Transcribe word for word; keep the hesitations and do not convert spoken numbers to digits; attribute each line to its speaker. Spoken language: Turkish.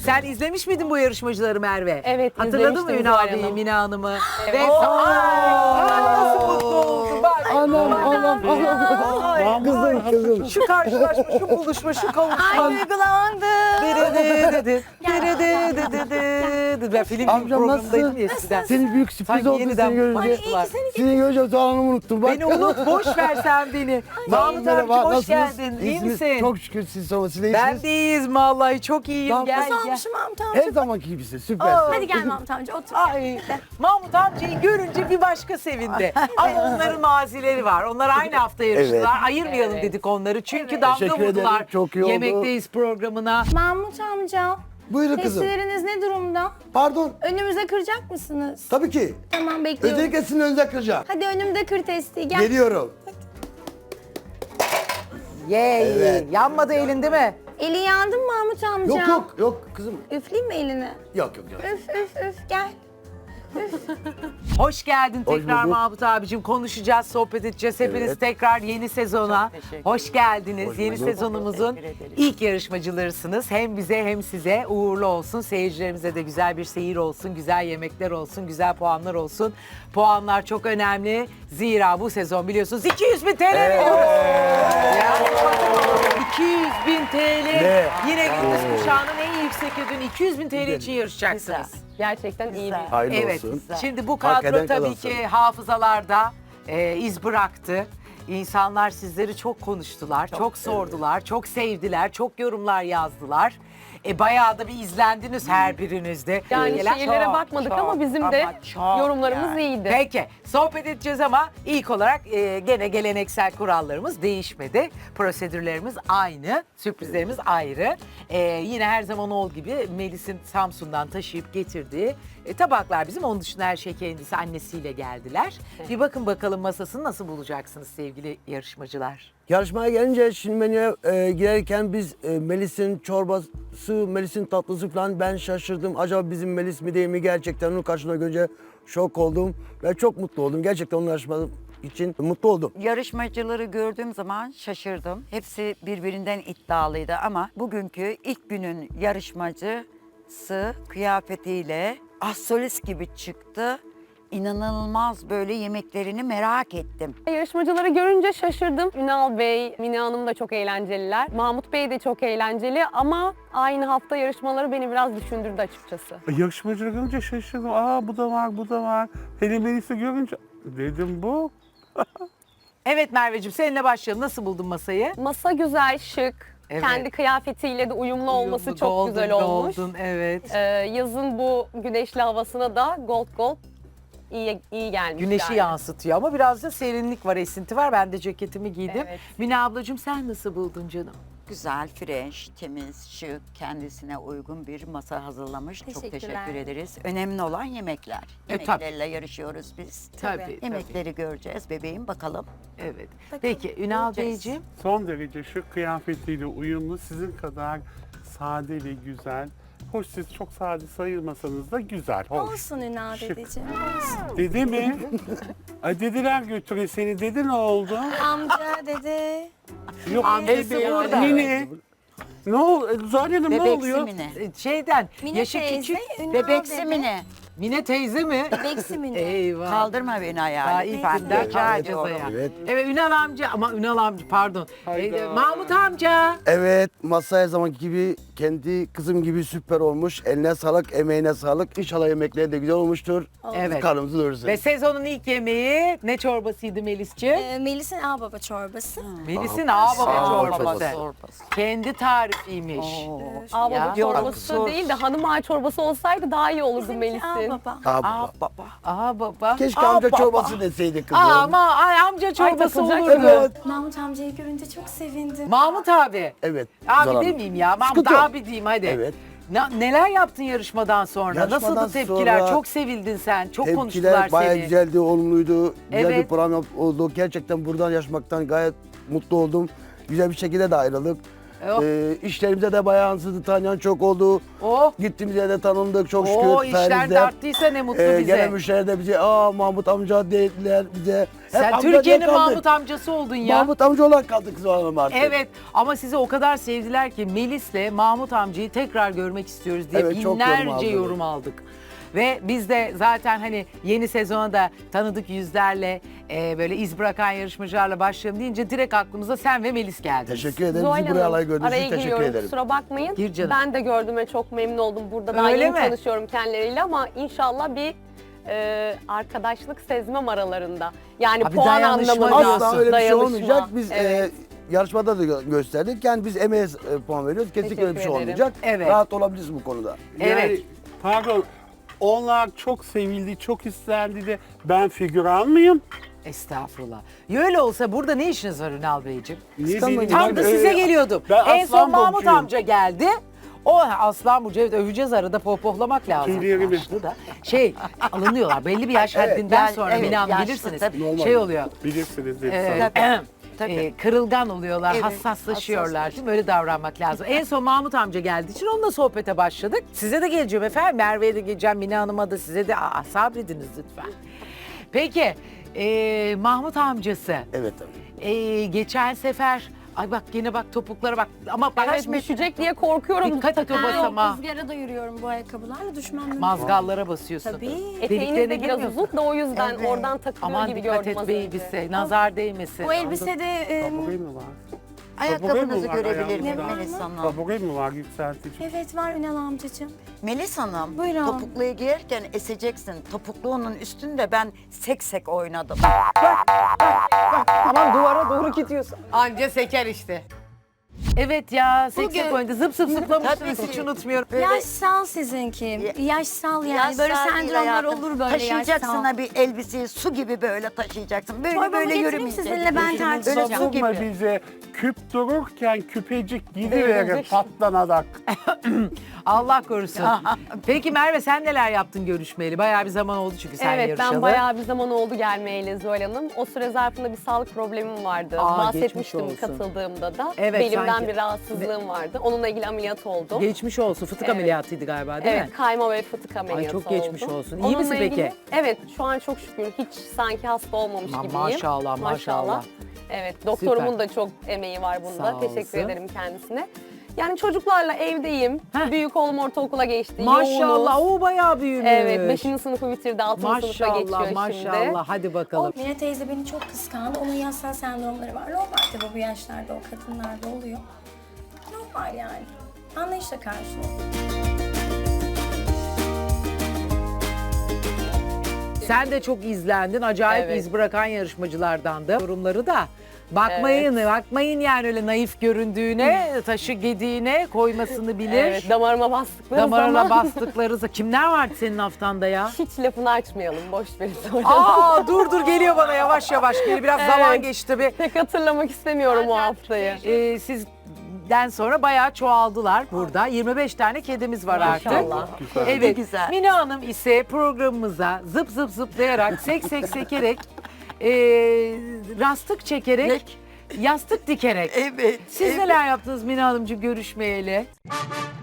Speaker 1: Sen izlemiş miydin bu yarışmacıları Merve?
Speaker 2: Evet,
Speaker 1: Hatırladın mı
Speaker 2: izlemiştim
Speaker 1: Ünal
Speaker 2: Zuhal
Speaker 1: Bey'i,
Speaker 2: Hanım.
Speaker 1: Mine Hanım'ı?
Speaker 2: Evet.
Speaker 1: Ve Ay, nasıl mutlu oldu bak.
Speaker 3: Anam anam anam.
Speaker 1: Ay,
Speaker 3: Kızım kızım.
Speaker 1: Şu karşılaşma, şu buluşma, şu kavuşma.
Speaker 4: Ay duygulandım.
Speaker 1: Dede dede, dede dede dede. Ben film
Speaker 3: Amcam
Speaker 1: programındaydım
Speaker 3: nasıl?
Speaker 1: ya eskiden.
Speaker 3: Senin büyük sürpriz
Speaker 1: Sanki
Speaker 3: oldu
Speaker 1: yeniden
Speaker 3: seni görünce.
Speaker 1: Ay, iyi ki seni
Speaker 3: Seni görünce soğanımı unuttum bak.
Speaker 1: Beni unut, boş ver sen beni. Mahmut
Speaker 3: Merhaba,
Speaker 1: abicim hoş
Speaker 3: nasılsınız?
Speaker 1: geldin. İyi
Speaker 3: İyisiniz?
Speaker 1: misin?
Speaker 3: Çok şükür siz sormasını
Speaker 1: Ben
Speaker 3: iyisiniz.
Speaker 1: de iyiyiz vallahi, çok iyiyim.
Speaker 3: Tamam.
Speaker 1: Gel
Speaker 4: Nasıl
Speaker 1: gel.
Speaker 4: olmuşum Mahmut amca?
Speaker 3: Her zamanki gibisin süper.
Speaker 1: Aa.
Speaker 4: Hadi gel Mahmut amca otur.
Speaker 1: Ay, Mahmut amcayı görünce bir başka sevindi. Ama onların mazileri var. Onlar aynı hafta yarıştılar.
Speaker 3: Evet.
Speaker 1: Ayırmayalım dedik onları. Çünkü damga
Speaker 3: Teşekkür ederim,
Speaker 1: vurdular.
Speaker 3: çok iyi oldu.
Speaker 1: Yemekteyiz programına.
Speaker 4: Mahmut amca.
Speaker 3: Buyurun kızım.
Speaker 4: Testileriniz ne durumda?
Speaker 3: Pardon.
Speaker 4: Önümüze kıracak mısınız?
Speaker 3: Tabii ki.
Speaker 4: Tamam bekliyorum.
Speaker 3: Özellikle sizin önünüze kıracağım.
Speaker 4: Hadi önümde kır testi gel.
Speaker 3: Geliyorum.
Speaker 1: Yey.
Speaker 3: Evet.
Speaker 1: Yanmadı elin değil mi?
Speaker 4: Eli yandı mı Mahmut amca?
Speaker 3: Yok yok yok kızım.
Speaker 4: Üfleyeyim mi elini?
Speaker 3: Yok yok yok.
Speaker 4: Üf üf üf gel.
Speaker 1: Hoş geldin
Speaker 3: Hoş
Speaker 1: tekrar
Speaker 3: bulduk.
Speaker 1: Mahmut abicim. Konuşacağız, sohbet edeceğiz. Hepiniz
Speaker 3: Evet.
Speaker 1: tekrar yeni sezona hoş geldiniz.
Speaker 3: Hoş
Speaker 1: yeni
Speaker 3: bulduk.
Speaker 1: sezonumuzun ilk yarışmacılarısınız. Hem bize hem size uğurlu olsun. Seyircilerimize de güzel bir seyir olsun, güzel yemekler olsun, güzel puanlar olsun. Puanlar çok önemli. Zira bu sezon biliyorsunuz iki yüz bin T L veriyoruz. Yani iki yüz bin T L.
Speaker 3: Ne?
Speaker 1: Yine gündüz kuşağının en yüksek ödülü iki yüz bin T L için yarışacaksınız.
Speaker 2: Gerçekten iyi bir.
Speaker 3: Hayırlı
Speaker 1: Evet.
Speaker 3: olsun.
Speaker 1: Şimdi bu
Speaker 3: Hak
Speaker 1: kadro
Speaker 3: eden
Speaker 1: tabii
Speaker 3: kazansın.
Speaker 1: ki hafızalarda e, iz bıraktı. İnsanlar sizleri çok konuştular, çok, sordular, çok sevdiler, çok yorumlar yazdılar. E bayağı da bir izlendiniz her birinizde.
Speaker 2: Yani
Speaker 1: Gelen-
Speaker 2: şiirlere
Speaker 1: Çok,
Speaker 2: bakmadık
Speaker 1: çok,
Speaker 2: ama bizim de
Speaker 1: ama çok
Speaker 2: yorumlarımız
Speaker 1: yani.
Speaker 2: iyiydi.
Speaker 1: Peki sohbet edeceğiz ama ilk olarak e, gene geleneksel kurallarımız değişmedi. Prosedürlerimiz aynı, sürprizlerimiz ayrı. E, yine her zaman olduğu gibi Melis'in Samsun'dan taşıyıp getirdiği e, tabaklar bizim. Onun dışında her şey kendisi annesiyle geldiler. Bir bakın bakalım masasını nasıl bulacaksınız sevgili yarışmacılar.
Speaker 3: Yarışmaya gelince şimdi menüye e, girerken biz e, Melis'in çorbası, Melis'in tatlısı falan ben şaşırdım. Acaba bizim Melis mi değil mi gerçekten onu karşımda görünce şok oldum. Ve çok mutlu oldum. Gerçekten onun yarışması için mutlu oldum.
Speaker 5: Yarışmacıları gördüğüm zaman şaşırdım. Hepsi birbirinden iddialıydı ama bugünkü ilk günün yarışmacısı kıyafetiyle astrolist gibi çıktı. İnanılmaz böyle yemeklerini merak ettim.
Speaker 2: Yarışmacıları görünce şaşırdım. Ünal Bey, Mine Hanım da çok eğlenceliler. Mahmut Bey de çok eğlenceli ama aynı hafta yarışmaları beni biraz düşündürdü açıkçası.
Speaker 6: Yarışmacıları görünce şaşırdım. Aa bu da var, bu da var. Hele Melis'i görünce dedim bu.
Speaker 1: Evet Merveciğim seninle başlayalım. Nasıl buldun masayı?
Speaker 2: Masa güzel, şık.
Speaker 1: Evet.
Speaker 2: Kendi kıyafetiyle de uyumlu olması
Speaker 1: Uyumlu,
Speaker 2: çok
Speaker 1: golden,
Speaker 2: güzel olmuş.
Speaker 1: golden, evet.
Speaker 2: Ee, yazın bu güneşli havasına da gold gold iyi iyi gelmiş.
Speaker 1: Güneşi
Speaker 2: yani.
Speaker 1: yansıtıyor ama biraz da serinlik var, esinti var. Ben de ceketimi giydim.
Speaker 2: Evet.
Speaker 1: Mine ablacığım sen nasıl buldun canım?
Speaker 5: Güzel, fresh, temiz, şık, kendisine uygun bir masa hazırlamış. Çok
Speaker 4: Teşekkürler.
Speaker 5: teşekkür ederiz. Önemli olan yemekler.
Speaker 1: E, tabii.
Speaker 5: Yemeklerle yarışıyoruz biz.
Speaker 1: Tabii,
Speaker 5: Yemekleri göreceğiz bebeğim bakalım.
Speaker 1: Evet. Peki Ünal
Speaker 5: göreceğiz.
Speaker 1: Beyciğim.
Speaker 6: Son derece şu kıyafetiyle uyumlu, sizin kadar sade ve güzel. Hoş siz çok sade sayılmasanız da güzel, hoş.
Speaker 4: Olsun Ünal
Speaker 6: Şık.
Speaker 4: dedeciğim. Olsun.
Speaker 6: Dede mi? Ay dediler götüre seni. Dede ne oldu?
Speaker 4: Amca dede.
Speaker 6: Yok
Speaker 1: Amcası
Speaker 6: dede,
Speaker 1: burada.
Speaker 6: Nene. Ne oluyor? Zuhal Hanım ne
Speaker 5: Bebeksi
Speaker 6: oluyor?
Speaker 5: Mine.
Speaker 1: e, Şeyden
Speaker 4: Mine
Speaker 1: yaşı
Speaker 4: teyze,
Speaker 1: küçük.
Speaker 4: Ünal
Speaker 5: Bebeksi
Speaker 4: dede.
Speaker 5: Mine.
Speaker 1: Mine teyze mi?
Speaker 4: Bebeksi Mine.
Speaker 1: Eyvah.
Speaker 5: Kaldırma beni
Speaker 1: Daha
Speaker 5: ayağa.
Speaker 1: ilk
Speaker 5: lütfen.
Speaker 1: günden
Speaker 5: Rica
Speaker 1: kalacağız
Speaker 5: ediyorum.
Speaker 1: ayağa.
Speaker 3: Evet.
Speaker 1: Evet Ünal amca ama Ünal amca pardon.
Speaker 6: Hayda.
Speaker 1: Ee, Mahmut amca.
Speaker 3: Evet, masa her zamanki gibi kendi kızım gibi süper olmuş. Eline sağlık, emeğine sağlık. İnşallah yemekleri de güzel olmuştur.
Speaker 1: Evet.
Speaker 3: Karnımızı doyursun.
Speaker 1: Ve sezonun ilk yemeği ne çorbasıydı Melis'ciğim?
Speaker 4: Ee, Melis'in ağbaba çorbası.
Speaker 1: Melis'in ağbaba
Speaker 3: Ağbaba
Speaker 1: çorbası.
Speaker 5: çorbası.
Speaker 1: Kendi tarifiymiş.
Speaker 2: Ağbaba
Speaker 1: Ya.
Speaker 2: çorbası
Speaker 5: Yok,
Speaker 2: değil de hanım ağa çorbası olsaydı daha iyi olurdu
Speaker 4: Bizimki
Speaker 2: Melis'in.
Speaker 4: ağbaba.
Speaker 3: Aa,
Speaker 5: Aa baba.
Speaker 1: Aa baba.
Speaker 3: keşke
Speaker 1: Aa,
Speaker 3: amca
Speaker 1: baba.
Speaker 3: çorbası deseydi kızım.
Speaker 1: Aa, ama ay, amca çorbası
Speaker 2: takılacak
Speaker 1: olurdu.
Speaker 3: Evet.
Speaker 4: Mahmut amcayı görünce çok sevindim.
Speaker 1: Mahmut abi.
Speaker 3: Evet.
Speaker 1: Abi
Speaker 3: Zuhal Hanım.
Speaker 1: demeyeyim ya. Mahmut
Speaker 3: Sıkıntı yok.
Speaker 1: abi diyeyim hadi.
Speaker 3: Evet.
Speaker 1: Ne- neler yaptın yarışmadan sonra?
Speaker 3: Yarışmadan
Speaker 1: Nasıldı tepkiler?
Speaker 3: sonra
Speaker 1: Çok sevildin sen. Çok konuştular
Speaker 3: Tepkiler bayağı
Speaker 1: seni.
Speaker 3: güzeldi, olumluydu. Güzel
Speaker 1: Evet.
Speaker 3: bir program yap- oldu. Gerçekten buradan yaşamaktan gayet mutlu oldum. Güzel bir şekilde de ayrıldık.
Speaker 1: Oh.
Speaker 3: E, işlerimize de bayağı yansıdı. Tanıyan çok oldu.
Speaker 1: Oh.
Speaker 3: Gittiğimiz yerde tanındık çok şükür.
Speaker 1: Oo işler
Speaker 3: sayenizde.
Speaker 1: de arttıysa ne mutlu
Speaker 3: E,
Speaker 1: bize.
Speaker 3: gelen müşteriler de bize aa Mahmut amca dediler bize. Hep
Speaker 1: Sen
Speaker 3: amca diye
Speaker 1: Türkiye'nin
Speaker 3: kaldık.
Speaker 1: Mahmut amcası oldun ya.
Speaker 3: Mahmut amca olarak kaldık Zuhal Hanım artık.
Speaker 1: Evet ama sizi o kadar sevdiler ki Melis'le Mahmut amcayı tekrar görmek istiyoruz diye
Speaker 3: Evet, çok yorum
Speaker 1: binlerce
Speaker 3: aldım.
Speaker 1: yorum aldık. Ve biz de zaten hani yeni sezona da tanıdık yüzlerle e, böyle iz bırakan yarışmacılarla başlayalım deyince direkt aklımıza sen ve Melis geldi.
Speaker 3: Teşekkür ederim.
Speaker 2: Zuhal
Speaker 3: Bizi buraya
Speaker 2: Hanım,
Speaker 3: alay gördüğünüz
Speaker 2: araya
Speaker 3: için teşekkür
Speaker 2: giriyorum,
Speaker 3: ederim.
Speaker 2: kusura bakmayın.
Speaker 1: Gir canım.
Speaker 2: Ben de gördüğüme çok memnun oldum. Burada daha
Speaker 1: Öyle
Speaker 2: yeni
Speaker 1: mi?
Speaker 2: tanışıyorum kendileriyle ama inşallah bir e, arkadaşlık sezmem aralarında. Yani
Speaker 1: Abi
Speaker 2: puan
Speaker 1: dayanışma
Speaker 2: anlamında.
Speaker 1: diyorsun.
Speaker 3: Asla öyle bir şey
Speaker 2: Dayanışma,
Speaker 3: olmayacak. Biz
Speaker 2: evet.
Speaker 3: e, yarışmada da gö- gösterdik. Yani biz emeğe e, puan veriyoruz. Kesinlikle öyle bir şey
Speaker 2: Teşekkür ederim.
Speaker 3: olmayacak.
Speaker 1: Evet.
Speaker 3: Rahat olabiliriz bu konuda.
Speaker 1: Evet.
Speaker 6: Yani, pardon, onlar çok sevildi, çok istendi de ben figüran mıyım?
Speaker 1: Estağfurullah. Ya öyle olsa burada ne işiniz var Ünal Beyciğim?
Speaker 6: Niye
Speaker 3: Kıskanmayın.
Speaker 6: benim-
Speaker 1: Tam da
Speaker 6: Ben-
Speaker 1: size
Speaker 6: e,
Speaker 1: geliyordum.
Speaker 6: ben
Speaker 1: En son
Speaker 6: Aslan
Speaker 1: Mahmut
Speaker 6: Burcu'yum.
Speaker 1: amca geldi. O Aslan Burcu, evet öveceğiz arada pohpohlamak lazım.
Speaker 6: Tüylerimi.
Speaker 1: Yaşlı da. Şey alınıyorlar belli bir yaş
Speaker 5: Evet,
Speaker 1: haddinden
Speaker 5: yani,
Speaker 1: sonra
Speaker 5: evet,
Speaker 1: Mine Hanım
Speaker 5: yaşlı
Speaker 1: bilirsiniz.
Speaker 5: tabii.
Speaker 3: Normal.
Speaker 1: Şey oluyor.
Speaker 6: Bilirsiniz dedi
Speaker 1: Evet.
Speaker 6: sana.
Speaker 5: Tabii.
Speaker 1: e, kırılgan oluyorlar,
Speaker 5: Evet,
Speaker 1: hassaslaşıyorlar
Speaker 5: hassas.
Speaker 1: değil mi? Öyle davranmak lazım. En son Mahmut amca geldiği için onunla sohbete başladık. Size de geleceğim efendim. Merve'ye de geleceğim, Mine Hanım'a da size de. Aa, sabrediniz lütfen. Peki, e, Mahmut amcası.
Speaker 3: Evet tabii.
Speaker 1: e, geçen sefer, ay bak yine bak topuklara bak. Ama bak
Speaker 2: Evet, düşecek diye korkuyorum.
Speaker 1: dikkat et o
Speaker 4: Ben
Speaker 1: basama.
Speaker 4: rüzgara da yürüyorum bu ayakkabılarla düşmem mümkün.
Speaker 1: Mazgallara basıyorsun.
Speaker 4: Tabii.
Speaker 2: Eteğiniz
Speaker 1: Deliklerine
Speaker 2: de biraz
Speaker 1: girmiyorsun.
Speaker 2: uzun da o yüzden
Speaker 5: Evet.
Speaker 2: oradan takılıyor
Speaker 1: Aman
Speaker 2: gibi
Speaker 1: dikkat
Speaker 2: gördüm az
Speaker 1: et
Speaker 2: önce.
Speaker 1: elbise, nazar değmesin.
Speaker 4: Bu elbisede e,
Speaker 6: Kabukayı mı var?
Speaker 5: Ayakkabınızı
Speaker 6: var
Speaker 5: görebilir miyim
Speaker 6: ayağımda?
Speaker 5: Melis Hanım?
Speaker 6: Kabukayı mı var yükseltici?
Speaker 4: evet var Ünal amcacığım.
Speaker 5: Melis Hanım,
Speaker 4: Buyurun.
Speaker 5: topukluyu giyerken eseceksin. Topukluğunun üstünde ben sek sek oynadım.
Speaker 1: Aman duvara doğru gidiyorsun. Anca seker işte. Evet ya, seksek
Speaker 5: Bugün-
Speaker 1: oynadı. Zıp zıp zıplamışsınız,
Speaker 5: Tabii
Speaker 1: hiç
Speaker 5: ki.
Speaker 1: unutmuyorum.
Speaker 5: Böyle-
Speaker 4: Yaşsal sizinki. Yaşsal yani.
Speaker 5: Yaşsal
Speaker 4: böyle
Speaker 5: değil
Speaker 4: sendromlar
Speaker 5: hayatım.
Speaker 4: olur böyle
Speaker 5: Taşıyacaksın
Speaker 4: yaşsal.
Speaker 5: ha bir elbiseyi su gibi böyle taşıyacaksın. Böyle
Speaker 4: Çorbamı
Speaker 5: böyle
Speaker 4: getireyim
Speaker 5: yürümeyeceksin.
Speaker 4: sizinle, ben
Speaker 5: Böyle
Speaker 4: tartışacağım.
Speaker 5: su
Speaker 6: Savunma
Speaker 5: gibi.
Speaker 6: bize küp dururken küpecik gidiverir
Speaker 2: Devrilecek.
Speaker 6: patlanarak.
Speaker 1: Allah korusun. Peki Merve sen neler yaptın görüşmeyeli? Bayağı bir zaman oldu çünkü sen
Speaker 2: Evet
Speaker 1: yarışalı.
Speaker 2: ben bayağı bir zaman oldu gelmeyeli Zuhal Hanım. O süre zarfında bir sağlık problemim vardı.
Speaker 1: Aa,
Speaker 2: Bahsetmiştim
Speaker 1: geçmiş olsun.
Speaker 2: katıldığımda da.
Speaker 1: Evet,
Speaker 2: Belimden
Speaker 1: sanki.
Speaker 2: bir rahatsızlığım vardı. Onunla ilgili ameliyat oldum.
Speaker 1: Geçmiş olsun. Fıtık
Speaker 2: Evet.
Speaker 1: ameliyatıydı galiba değil
Speaker 2: Evet,
Speaker 1: mi?
Speaker 2: kayma ve fıtık ameliyatı
Speaker 1: çok geçmiş
Speaker 2: oldum.
Speaker 1: olsun. İyi misin peki?
Speaker 2: ilgili- evet, şu an çok şükür hiç sanki hasta olmamış
Speaker 1: Ma-
Speaker 2: gibiyim.
Speaker 1: maşallah, maşallah.
Speaker 2: Evet, doktorumun
Speaker 1: Süper.
Speaker 2: da çok emeği var bunda.
Speaker 1: Sağ
Speaker 2: Teşekkür
Speaker 1: olsun.
Speaker 2: ederim kendisine. Yani çocuklarla evdeyim.
Speaker 1: Heh.
Speaker 2: Büyük oğlum ortaokula geçti.
Speaker 1: Maşallah
Speaker 2: Yoğunuz.
Speaker 1: o bayağı büyümüş.
Speaker 2: Evet, beşinci sınıfı bitirdi, altıncı sınıfa geçiyor
Speaker 1: Maşallah
Speaker 2: şimdi.
Speaker 1: maşallah. Hadi bakalım.
Speaker 4: Mine teyze beni çok kıskandı. Onun yaşsal sendromları var. Normal tabii bu yaşlarda o kadınlarda oluyor. Normal yani. Anlayışla karşılıyor.
Speaker 1: Sen de çok izlendin. Acayip
Speaker 2: Evet.
Speaker 1: iz bırakan yarışmacılardan da. Yorumları da. Bakmayın, bakmayın yani öyle naif göründüğüne, taşı gediğine koymasını bilir.
Speaker 2: Evet, damarıma bastıkları
Speaker 1: Damarına
Speaker 2: zaman
Speaker 1: bastıkları. Kimler vardı senin haftanda ya?
Speaker 2: hiç lafını açmayalım, boş verin sonra.
Speaker 1: Aa dur dur geliyor bana yavaş yavaş geliyor. Biraz
Speaker 2: Evet.
Speaker 1: zaman geçti tabii.
Speaker 2: Pek hatırlamak istemiyorum o haftayı.
Speaker 1: Ee, sizden sonra bayağı çoğaldılar burada. yirmi beş tane kedimiz var artık.
Speaker 2: Maşallah.
Speaker 6: Güzel.
Speaker 1: Evet.
Speaker 5: güzel.
Speaker 1: Mine Hanım ise programımıza zıp zıp zıplayarak, sek sek sekerek, e, rastık çekerek, yastık dikerek.
Speaker 5: Evet.
Speaker 1: Siz
Speaker 5: evet.
Speaker 1: neler yaptınız Mine Hanımcığım görüşmeyeli?